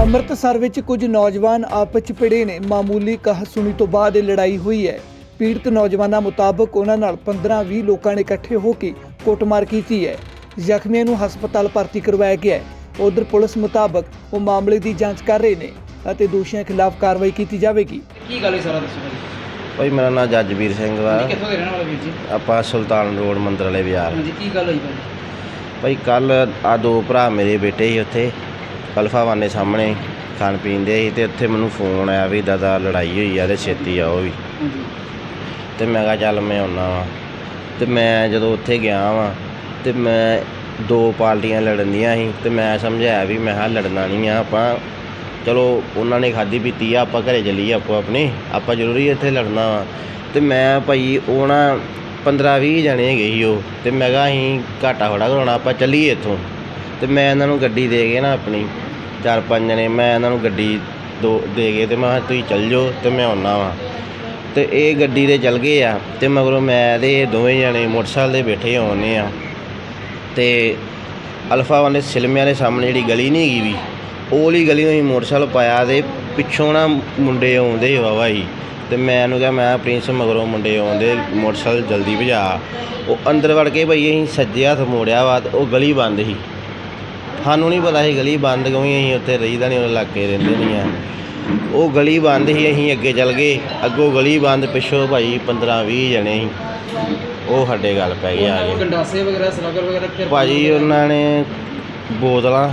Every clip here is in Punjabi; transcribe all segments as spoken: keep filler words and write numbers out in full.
ਅੰਮ੍ਰਿਤਸਰ ਵਿੱਚ ਕੁਝ ਨੌਜਵਾਨ ਆਪਸ 'ਚ ਭਿੜੇ ਨੇ। ਮਾਮੂਲੀ ਕਹਾਸੁਣੀ ਤੋਂ ਬਾਅਦ ਇਹ ਲੜਾਈ ਹੋਈ ਹੈ। ਪੀੜਤ ਨੌਜਵਾਨਾਂ ਮੁਤਾਬਕ ਉਹਨਾਂ ਨਾਲ ਪੰਦਰਾਂ ਵੀਹ ਲੋਕਾਂ ਨੇ ਇਕੱਠੇ ਹੋ ਕੇ ਕੁੱਟਮਾਰ ਕੀਤੀ ਹੈ। ਜ਼ਖਮੀਆਂ ਨੂੰ ਹਸਪਤਾਲ ਭਰਤੀ ਕਰਵਾਇਆ ਗਿਆ ਹੈ। ਉਧਰ ਪੁਲਿਸ ਮੁਤਾਬਕ ਉਹ ਮਾਮਲੇ ਦੀ ਜਾਂਚ ਕਰ ਰਹੇ ਨੇ ਅਤੇ ਦੋਸ਼ੀਆਂ ਖਿਲਾਫ ਕਾਰਵਾਈ ਕੀਤੀ ਜਾਵੇਗੀ। ਕੀ ਗੱਲ ਹੈ ਸਾਰਾ ਦੱਸੋ ਭਾਜੀ। ਭਾਈ ਮੇਰਾ ਨਾਮ ਜੱਜਵੀਰ ਸਿੰਘ ਵਾ। ਕਿੱਥੋਂ ਦੇ ਰਹਿਣ ਵਾਲੇ ਵੀਰ ਜੀ? ਆਪਾਂ ਸੁਲਤਾਨ ਰੋਡ ਮੰਦਰ ਵਾਲੇ ਬਾਜ਼ਾਰ। ਹਾਂਜੀ, ਕੀ ਗੱਲ ਹੋਈ ਭਾਜੀ? ਭਾਈ ਕੱਲ੍ਹ ਆ ਦੋ ਭਰਾ ਮੇਰੇ ਬੇਟੇ ਸੀ ਉੱਥੇ ਅਲਫਾਵਾਨ ਦੇ ਸਾਹਮਣੇ ਖਾਣ ਪੀਣ ਦੇ ਸੀ, ਅਤੇ ਉੱਥੇ ਮੈਨੂੰ ਫੋਨ ਆਇਆ ਵੀ ਦਾਦਾ ਲੜਾਈ ਹੋਈ ਆ ਅਤੇ ਛੇਤੀ ਆਓ ਵੀ। ਅਤੇ ਮੈਂ ਕਿਹਾ ਚੱਲ ਮੈਂ ਆਉਂਦਾ ਵਾਂ। ਅਤੇ ਮੈਂ ਜਦੋਂ ਉੱਥੇ ਗਿਆ ਵਾਂ ਅਤੇ ਮੈਂ ਦੋ ਪਾਰਟੀਆਂ ਲੜਨ ਦੀਆਂ ਸੀ, ਅਤੇ ਮੈਂ ਸਮਝਾਇਆ ਵੀ ਮੈਂ ਕਿਹਾ ਲੜਨਾ ਨਹੀਂ ਆ ਆਪਾਂ, ਚਲੋ ਉਹਨਾਂ ਨੇ ਖਾਧੀ ਪੀਤੀ ਆ, ਆਪਾਂ ਘਰੇ ਚੱਲੀਏ ਆਪੋ ਆਪਣੇ, ਆਪਾਂ ਜ਼ਰੂਰੀ ਇੱਥੇ ਲੜਨਾ ਵਾ। ਅਤੇ ਮੈਂ ਭਾਈ ਉਹ ਨਾ ਪੰਦਰਾਂ ਵੀਹ ਜਣੇ ਹੈਗੇ ਸੀ ਉਹ, ਅਤੇ ਮੈਂ ਕਿਹਾ ਅਸੀਂ ਘਾਟਾ ਥੋੜ੍ਹਾ ਕਰਾਉਣਾ, ਆਪਾਂ ਚੱਲੀਏ ਇੱਥੋਂ। ਅਤੇ ਮੈਂ ਇਹਨਾਂ ਨੂੰ ਗੱਡੀ ਦੇ ਕੇ ਨਾ ਆਪਣੀ ਚਾਰ ਪੰਜ ਜਣੇ ਮੈਂ ਇਹਨਾਂ ਨੂੰ ਗੱਡੀ ਦੋ ਦੇ ਕੇ ਅਤੇ ਮੈਂ ਕਿਹਾ ਤੁਸੀਂ ਚੱਲ ਜਾਓ ਅਤੇ ਮੈਂ ਆਉਂਦਾ ਵਾਂ। ਅਤੇ ਇਹ ਗੱਡੀ 'ਤੇ ਚੱਲ ਗਏ ਆ, ਅਤੇ ਮਗਰੋਂ ਮੈਂ ਅਤੇ ਇਹ ਦੋਵੇਂ ਜਣੇ ਮੋਟਰਸਾਈਕਲ 'ਤੇ ਬੈਠੇ ਆਉਂਦੇ ਆ। ਅਤੇ ਅਲਫਾ ਵਾਲੇ ਸਿਲਮਿਆਂ ਦੇ ਸਾਹਮਣੇ ਜਿਹੜੀ ਗਲੀ ਨਹੀਂ ਹੈਗੀ ਵੀ, ਉਹ ਵਾਲੀ ਗਲੀ ਨੂੰ ਅਸੀਂ ਮੋਟਰਸਾਈਕਲ ਪਾਇਆ ਅਤੇ ਪਿੱਛੋਂ ਨਾ ਮੁੰਡੇ ਆਉਂਦੇ ਵਾਹਵਾ ਸੀ। ਅਤੇ ਮੈਂ ਇਹਨੂੰ ਕਿਹਾ ਮੈਂ ਪ੍ਰਿੰਸ ਮਗਰੋਂ ਮੁੰਡੇ ਆਉਂਦੇ, ਮੋਟਰਸਾਈਕਲ ਜਲਦੀ ਭਜਾ। ਉਹ ਅੰਦਰ ਵੜ ਕੇ ਭਾਈ ਅਸੀਂ ਸੱਜੇ ਹੱਥ ਮੋੜਿਆ ਵਾ, ਉਹ ਗਲੀ ਬੰਦ ਸੀ। ਸਾਨੂੰ ਨਹੀਂ ਪਤਾ ਸੀ ਗਲੀ ਬੰਦ ਕਿਉਂ, ਅਸੀਂ ਉੱਥੇ ਰਹੀਦਾ ਨਹੀਂ, ਉਹ ਇਲਾਕੇ ਰਹਿੰਦੇ ਨਹੀਂ ਆ। ਉਹ ਗਲੀ ਬੰਦ ਸੀ, ਅਸੀਂ ਅੱਗੇ ਚੱਲ ਗਏ, ਅੱਗੋਂ ਗਲੀ ਬੰਦ, ਪਿੱਛੋਂ ਭਾਈ ਪੰਦਰਾਂ ਵੀਹ ਜਣੇ ਸੀ, ਉਹ ਸਾਡੇ ਗੱਲ ਪੈ ਗਏ ਆ ਗਏ। ਗੰਡਾਸੇ ਵਗੈਰਾ ਸਲਾਗਰ ਵਗੈਰਾ ਭਾਜੀ ਉਹਨਾਂ ਨੇ ਬੋਤਲਾਂ,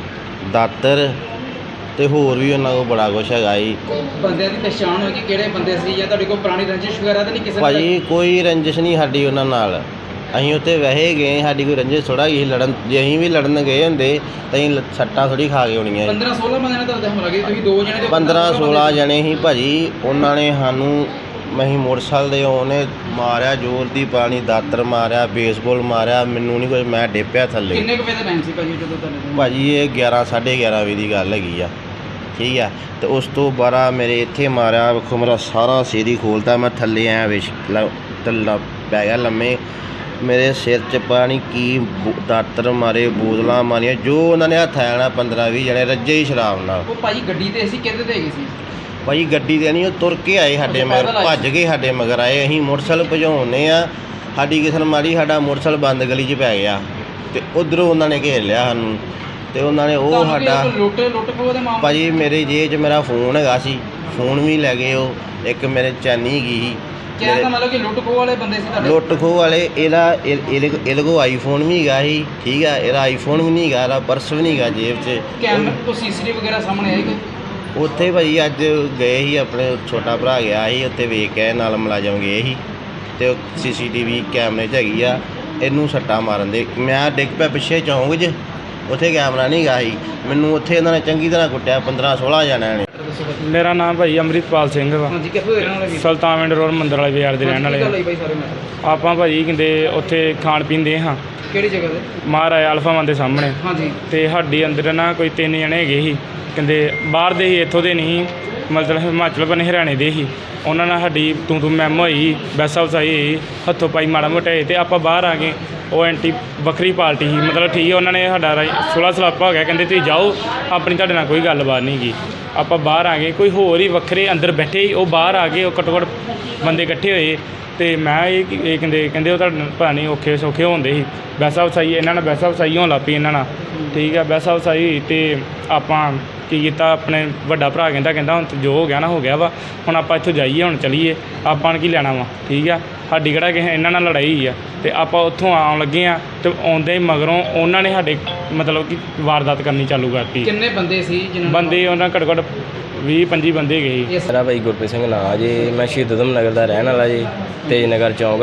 ਦਾਤਰ ਅਤੇ ਹੋਰ ਵੀ ਉਹਨਾਂ ਕੋਲ ਬੜਾ ਕੁਛ ਹੈਗਾ ਜੀ। ਬੰਦਿਆਂ ਦੀ ਪਛਾਣ ਹੋਈ ਕਿ ਕਿਹੜੇ ਬੰਦੇ ਸੀ, ਜਾਂ ਤੁਹਾਡੇ ਕੋਲ ਪੁਰਾਣੀ ਰੰਜਿਸ਼ ਵਗੈਰਾ ਤਾਂ ਨਹੀਂ ਕਿਸੇ? ਭਾਜੀ ਕੋਈ ਰੰਜਿਸ਼ ਨਹੀਂ ਸਾਡੀ ਉਹਨਾਂ ਨਾਲ, ਅਸੀਂ ਉੱਥੇ ਵੈਸੇ ਗਏ, ਸਾਡੀ ਕੋਈ ਰੰਜਿਸ਼ ਥੋੜ੍ਹਾ ਗਈ ਲੜਨ। ਜੇ ਅਸੀਂ ਵੀ ਲੜਨ ਗਏ ਹੁੰਦੇ ਤਾਂ ਅਸੀਂ ਸੱਟਾਂ ਥੋੜ੍ਹੀ ਖਾ ਕੇ ਆਉਣੀਆਂ। ਪੰਦਰਾਂ ਸੋਲਾਂ ਬੰਦਿਆਂ ਨੇ ਤੁਹਾਡੇ ਹਮਲਾ ਕੀਤਾ, ਤੁਸੀਂ ਦੋ ਜਣੇ? ਪੰਦਰਾਂ ਸੋਲਾਂ ਜਣੇ ਸੀ ਭਾਜੀ। ਉਹਨਾਂ ਨੇ ਸਾਨੂੰ ਅਸੀਂ ਮੋਟਰਸਾਈਕਲ ਦੇ ਉਹਨੇ ਮਾਰਿਆ, ਜ਼ੋਰ ਦੀ ਪਾਣੀ ਦਾਤਰ ਮਾਰਿਆ, ਬੇਸਬਾਲ ਮਾਰਿਆ, ਮੈਨੂੰ ਨਹੀਂ ਕੁਝ, ਮੈਂ ਡਿੱਪਿਆ ਥੱਲੇ। ਕਿੰਨੇ ਕੁ ਵਜੇ ਦਾ ਟਾਈਮ ਸੀ ਭਾਜੀ ਜਦੋਂ ਤੁਹਾਡੇ? ਭਾਜੀ ਇਹ ਗਿਆਰਾਂ ਸਾਢੇ ਗਿਆਰਾਂ ਵਜੇ ਦੀ ਗੱਲ ਹੈਗੀ ਆ, ਠੀਕ ਆ। ਅਤੇ ਉਸ ਤੋਂ ਬਾਅਦ ਮੇਰੇ ਇੱਥੇ ਮਾਰਿਆ, ਵੇਖੋ ਮੇਰਾ ਸਾਰਾ ਸਿਰ ਹੀ ਖੋਲ੍ਹਤਾ, ਮੈਂ ਥੱਲੇ ਆਇਆ ਵਿਸ਼ ਥੱਲਾ ਪੈ ਗਿਆ ਲੰਮੇ। ਮੇਰੇ ਸਿਰ 'ਚ ਪਤਾ ਨਹੀਂ ਕੀ ਦਾਤਰ ਮਾਰੇ, ਬੋਤਲਾਂ ਮਾਰੀਆਂ, ਜੋ ਉਹਨਾਂ ਨੇ ਹੱਥ ਆਇਆ ਨਾ ਪੰਦਰਾਂ ਵੀਹ ਜਣੇ ਰੱਜੇ ਹੀ ਸ਼ਰਾਬ ਨਾਲ। ਉਹ ਭਾਜੀ ਗੱਡੀ 'ਤੇ ਅਸੀਂ ਕਿਹਦੇ 'ਤੇ ਹੈਗੇ ਸੀ? ਭਾਜੀ ਗੱਡੀ 'ਤੇ ਨਹੀਂ, ਉਹ ਤੁਰ ਕੇ ਆਏ ਸਾਡੇ ਮਗਰ, ਭੱਜ ਕੇ ਸਾਡੇ ਮਗਰ ਆਏ। ਅਸੀਂ ਮੋਟਰਸਾਈਕਲ ਭਜਾਉਂਦੇ ਆ, ਸਾਡੀ ਕਿਸੇ ਨੂੰ ਮਾਰੀ, ਸਾਡਾ ਮੋਟਰਸਾਈਕਲ ਬੰਦ ਗਲੀ 'ਚ ਪੈ ਗਿਆ, ਅਤੇ ਉੱਧਰੋਂ ਉਹਨਾਂ ਨੇ ਘੇਰ ਲਿਆ ਸਾਨੂੰ, ਅਤੇ ਉਹਨਾਂ ਨੇ ਉਹ ਸਾਡਾ ਲੁੱਟ ਲੁੱਟ ਖੋਹ ਦੇ ਮਾਮਲੇ? ਭਾਜੀ ਮੇਰੇ ਜੇਬ 'ਚ ਮੇਰਾ ਫੋਨ ਹੈਗਾ ਸੀ, ਫੋਨ ਵੀ ਲੈ ਗਏ ਉਹ, ਇੱਕ ਮੇਰੇ ਚੈਨੀ ਗਈ ਸੀ। ਕਹਿਣ ਦਾ ਮਤਲਬ ਕਿ ਲੁੱਟ ਖੋਹ ਵਾਲੇ ਬੰਦੇ ਸੀ ਤੁਹਾਡੇ? ਲੁੱਟ ਖੋਹ ਵਾਲੇ। ਇਹਦਾ ਇਹਦੇ ਇਹਦੇ ਕੋਲ ਆਈਫੋਨ ਵੀ ਹੈਗਾ ਸੀ, ਠੀਕ ਆ, ਇਹਦਾ ਆਈਫੋਨ ਵੀ ਨਹੀਂ ਹੈਗਾ, ਇਹਦਾ ਪਰਸ ਵੀ ਨਹੀਂ ਹੈਗਾ ਜੇਬ 'ਚ। ਕੈਮਰੇ ਕੋਈ ਸੀਸੀਟੀਵੀ ਵਗੈਰਾ ਸਾਹਮਣੇ ਆਈ ਕੋਈ? ਉੱਥੇ ਭਾਈ ਅੱਜ ਗਏ ਸੀ, ਆਪਣੇ ਛੋਟਾ ਭਰਾ ਗਿਆ ਸੀ ਉੱਥੇ, ਵੇਖ ਕੇ ਨਾਲ ਮੁਲਾਜ਼ਮ ਗਏ ਸੀ, ਅਤੇ ਉਹ ਸੀ ਸੀ ਟੀ ਵੀ ਕੈਮਰੇ 'ਚ ਹੈਗੀ ਆ। ਇਹਨੂੰ ਸੱਟਾਂ ਮਾਰਨ ਦੇ ਮੈਂ ਡਿੱਗ ਪਿਆ ਪਿੱਛੇ ਚੌਂਕ 'ਚ, ਉੱਥੇ ਕੈਮਰਾ ਨਹੀਂ ਹੈਗਾ ਸੀ। ਮੈਨੂੰ ਉੱਥੇ ਇਹਨਾਂ ਨੇ ਚੰਗੀ ਤਰ੍ਹਾਂ ਕੁੱਟਿਆ, ਪੰਦਰਾਂ ਸੋਲਾਂ ਜਣਿਆਂ ਨੇ। ਮੇਰਾ ਨਾਮ ਭਾਈ ਅੰਮ੍ਰਿਤਪਾਲ ਸਿੰਘ ਵਾ। ਹਾਂਜੀ, ਕਿੱਥੋਂ ਦੇ ਰਹਿਣ ਵਾਲੇ? ਸੁਲਤਾਨ ਰੋਡ ਮੰਦਰ ਵਾਲੇ ਬਾਜ਼ਾਰ ਦੇ ਰਹਿਣ ਵਾਲੇ। ਆਪਾਂ ਭਾਜੀ ਕਹਿੰਦੇ ਉੱਥੇ ਖਾਣ ਪੀਣ ਦੇ ਹਾਂ। ਕਿਹੜੀ ਜਗ੍ਹਾ 'ਤੇ? ਮਹਾਰਾਜਾ ਅਲਫਾਵਾਨ ਦੇ ਸਾਹਮਣੇ। ਹਾਂਜੀ। ਅਤੇ ਸਾਡੀ ਅੰਦਰ ਨਾ ਕੋਈ ਤਿੰਨ ਜਣੇ ਹੈਗੇ ਸੀ, ਕਹਿੰਦੇ ਬਾਹਰ ਦੇ ਸੀ, ਇੱਥੋਂ ਦੇ ਨਹੀਂ, ਮਤਲਬ ਹਿਮਾਚਲ ਬਨੇ ਹਰਿਆਣੇ ਦੇ ਸੀ। ਉਹਨਾਂ ਨਾਲ ਸਾਡੀ ਤੂੰ ਤੂੰ ਮੈਮ ਹੋਈ, ਬੈਸਾ ਵਸਾਈ ਹੋਈ, ਹੱਥੋਂ ਪਾਈ ਮਾੜਾ ਮੋਟਾ ਹੋਏ, ਅਤੇ ਆਪਾਂ ਬਾਹਰ ਆ ਗਏ। ਉਹ ਐਂਟੀ ਵੱਖਰੀ ਪਾਰਟੀ ਸੀ, ਮਤਲਬ ਠੀਕ ਹੈ, ਉਹਨਾਂ ਨੇ ਸਾਡਾ ਸੁਲ੍ਹਾ ਸਲਾਪਾ ਹੋ ਗਿਆ, ਕਹਿੰਦੇ ਤੁਸੀਂ ਜਾਓ, ਆਪਣੀ ਤੁਹਾਡੇ ਨਾਲ ਕੋਈ ਗੱਲਬਾਤ ਨਹੀਂ ਗੀ। ਆਪਾਂ ਬਾਹਰ ਆ ਗਏ, ਕੋਈ ਹੋਰ ਹੀ ਵੱਖਰੇ ਅੰਦਰ ਬੈਠੇ ਸੀ, ਉਹ ਬਾਹਰ ਆ ਗਏ, ਉਹ ਘੱਟੋ ਘੱਟ ਬੰਦੇ ਇਕੱਠੇ ਹੋਏ। ਅਤੇ ਮੈਂ ਇਹ ਇਹ ਕਹਿੰਦੇ ਕਹਿੰਦੇ ਉਹ ਤੁਹਾਡੇ ਪਤਾ ਨਹੀਂ ਔਖੇ ਸੌਖੇ ਹੁੰਦੇ ਸੀ। ਬੈਸਾ ਵਸਾਈ ਇਹਨਾਂ ਨਾਲ ਬੈਸਾ ਵਸਾਈ ਹੋਣ ਲੱਗ ਪਈ ਇਹਨਾਂ ਨਾਲ, ਠੀਕ ਹੈ। ਬੈਸਾ ਵਸਾਈ ਹੋਈ ਅਤੇ ਆਪਾਂ ਕੀ ਕੀਤਾ, ਆਪਣੇ ਵੱਡਾ ਭਰਾ ਕਹਿੰਦਾ ਕਹਿੰਦਾ ਹੁਣ ਜੋ ਹੋ ਗਿਆ ਨਾ ਹੋ ਗਿਆ ਵਾ, ਹੁਣ ਆਪਾਂ ਇੱਥੋਂ ਜਾਈਏ, ਹੁਣ ਚੱਲੀਏ, ਆਪਾਂ ਨੇ ਕੀ ਲੈਣਾ ਵਾ, ਠੀਕ ਆ। ਸਾਡੀ ਕਿਹੜਾ ਕਿਸੇ ਇਹਨਾਂ ਨਾਲ ਲੜਾਈ ਹੋਈ ਆ, ਅਤੇ ਆਪਾਂ ਉੱਥੋਂ ਆਉਣ ਲੱਗੇ ਹਾਂ, ਅਤੇ ਆਉਂਦੇ ਮਗਰੋਂ ਉਹਨਾਂ ਨੇ ਸਾਡੇ ਮਤਲਬ ਕਿ ਵਾਰਦਾਤ ਕਰਨੀ ਚਾਲੂ ਕਰਤੀ। ਕਿੰਨੇ ਬੰਦੇ ਸੀ? ਬੰਦੇ ਉਹਨਾਂ ਘੱਟੋ ਘੱਟ ਵੀਹ ਪੰਜੀ ਬੰਦੇ ਗਏ ਸੀ। ਮੇਰਾ ਭਾਈ ਗੁਰਪ੍ਰੀਤ ਸਿੰਘ ਨਾਂ ਜੀ, ਮੈਂ ਸ਼ਹੀਦ ਊਧਮ ਨਗਰ ਦਾ ਰਹਿਣ ਵਾਲਾ ਜੀ, ਤੇਜ ਨਗਰ ਚੌਂਕ।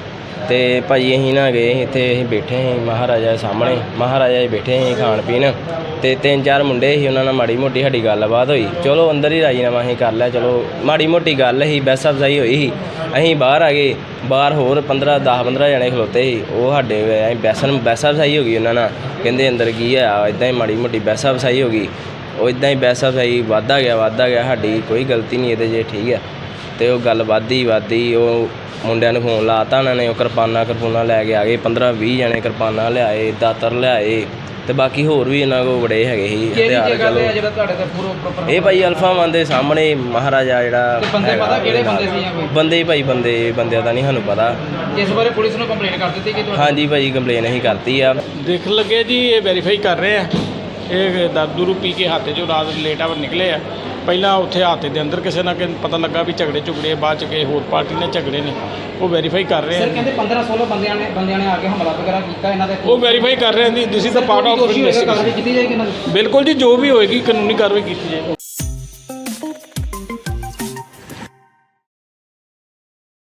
ਅਤੇ ਭਾਈ ਅਸੀਂ ਨਾ ਗਏ ਸੀ, ਇੱਥੇ ਅਸੀਂ ਬੈਠੇ ਸੀ ਮਹਾਰਾਜਾ ਸਾਹਮਣੇ, ਮਹਾਰਾਜਾ ਜੀ ਬੈਠੇ ਸੀ ਖਾਣ ਪੀਣ, ਅਤੇ ਤਿੰਨ ਚਾਰ ਮੁੰਡੇ ਸੀ, ਉਹਨਾਂ ਨਾਲ ਮਾੜੀ ਮੋਟੀ ਸਾਡੀ ਗੱਲਬਾਤ ਹੋਈ। ਚਲੋ ਅੰਦਰ ਹੀ ਰਾਜੀਨਾਮਾ ਅਸੀਂ ਕਰ ਲਿਆ, ਚਲੋ ਮਾੜੀ ਮੋਟੀ ਗੱਲ ਸੀ, ਬਹਿਸ ਅਫਜ਼ਾਈ ਹੋਈ ਸੀ। ਅਸੀਂ ਬਾਹਰ ਆ ਗਏ, ਬਾਹਰ ਹੋਰ ਪੰਦਰਾਂ ਦਸ ਪੰਦਰਾਂ ਜਣੇ ਖਲੋਤੇ ਸੀ, ਉਹ ਸਾਡੇ ਅਸੀਂ ਬਹਿਸਨ ਬਹਿਸ ਅਫਜ਼ਾਈ ਹੋ ਗਈ ਉਹਨਾਂ ਨਾਲ, ਕਹਿੰਦੇ ਅੰਦਰ ਕੀ ਆ, ਇੱਦਾਂ ਹੀ ਮਾੜੀ ਮੋਟੀ ਬਹਿਸ ਅਫਜ਼ਾਈ ਹੋ ਗਈ। ਉਹ ਇੱਦਾਂ ਹੀ ਬਹਿਸ ਅਫਜ਼ਾਈ ਵੱਧਦਾ ਗਿਆ ਵੱਧਦਾ ਗਿਆ, ਸਾਡੀ ਕੋਈ ਗਲਤੀ ਨਹੀਂ ਇਹਦੇ 'ਚ, ਠੀਕ ਹੈ। ਅਤੇ ਉਹ ਗੱਲ ਵੱਧਦੀ ਵੱਧਦੀ, ਉਹ ਮੁੰਡਿਆਂ ਨੂੰ ਫੋਨ ਲਾਤਾ ਉਹਨਾਂ ਨੇ, ਉਹ ਕਿਰਪਾਨਾਂ ਕਿਰਪੂਨਾਂ ਲੈ ਕੇ ਆ ਗਏ, ਪੰਦਰਾਂ ਵੀਹ ਜਣੇ ਕਿਰਪਾਨਾਂ ਲਿਆਏ, ਦਾਤਰ ਲਿਆਏ, ਤੇ ਬਾਕੀ ਹੋਰ ਵੀ ਇਹਨਾਂ ਕੋਲ ਬੜੇ ਹੈਗੇ ਸੀ ਕਿਹੜੀ ਹਥਿਆਰ। ਜਗ੍ਹਾ ਤੇ ਆ ਚਲੋ ਜਿਹੜਾ ਤੁਹਾਡੇ ਤੇ ਪੂਰਾ ਪ੍ਰੋਪਰ ਇਹ ਭਾਈ ਅਲਫਾ ਵਨ ਦੇ ਸਾਹਮਣੇ ਮਹਾਰਾਜਾ ਜਿਹੜਾ ਤੇ ਬੰਦੇ ਹੈਗਾ ਪਤਾ ਕਿਹੜੇ ਉਹਦੇ ਨਾਲ। ਬੰਦੇ ਸੀ ਜਾਂ ਕੋਈ? ਬੰਦੇ ਭਾਈ ਬੰਦੇ ਬੰਦਿਆਂ ਦਾ ਨਹੀਂ ਸਾਨੂੰ ਪਤਾ। ਇਸ ਬਾਰੇ ਪੁਲਿਸ ਨੂੰ ਕੰਪਲੇਂਟ ਕਰ ਦਿੱਤੀ ਕਿ ਤੁਹਾਡੇ ਹਾਂਜੀ ਭਾਈ ਕੰਪਲੇਨ ਅਸੀਂ ਕਰਤੀ ਆ। ਦੇਖ ਲੱਗੇ ਜੀ ਇਹ ਵੈਰੀਫਾਈ ਕਰ ਰਹੇ ਆ। ਇਹ ਦਾਰੂ ਰੂ ਪੀ ਕੇ ਹੱਥ 'ਚੋਂ ਰਾਤ ਲੇਟ ਆਵਰ ਨਿਕਲੇ ਆ। ਪਹਿਲਾਂ ਉੱਥੇ ਹੱਥ ਦੇ ਅੰਦਰ ਕਿਸੇ ਨਾ ਕਿਸੇ ਪਤਾ ਲੱਗਾ ਵੀ ਝਗੜੇ ਝੁਗੜੇ ਬਾਅਦ 'ਚ ਕਿਸੇ ਹੋਰ ਪਾਰਟੀ ਨੇ ਝਗੜੇ ਨੇ, ਉਹ ਵੈਰੀਫਾਈ ਕਰ ਰਹੇ ਸਰ ਆ। ਕਹਿੰਦੇ ਪੰਦਰਾਂ ਸੋਲ੍ਹਾਂ ਬੰਦਿਆਂ ਨੇ ਬੰਦਿਆਂ ਨੇ ਆ ਕੇ ਹਮਲਾ ਵਗੈਰਾ ਕੀਤਾ ਇਹਨਾਂ ਦੇ ਉਹ ਵੈਰੀਫਾਈ ਕਰ ਰਹੇ ਆ ਜੀ। This is the part of ਕਾਰਵਾਈ ਇਨਵੈਸਟੀਗੇਸ਼ਨ। ਕੀਤੀ ਜਾਏਗੀ ਇਹਨਾਂ ਦੀ। ਬਿਲਕੁਲ ਜੀ, ਜੋ ਵੀ ਹੋਏਗੀ ਕਾਨੂੰਨੀ ਕਾਰਵਾਈ ਕੀਤੀ ਜਾਏਗੀ।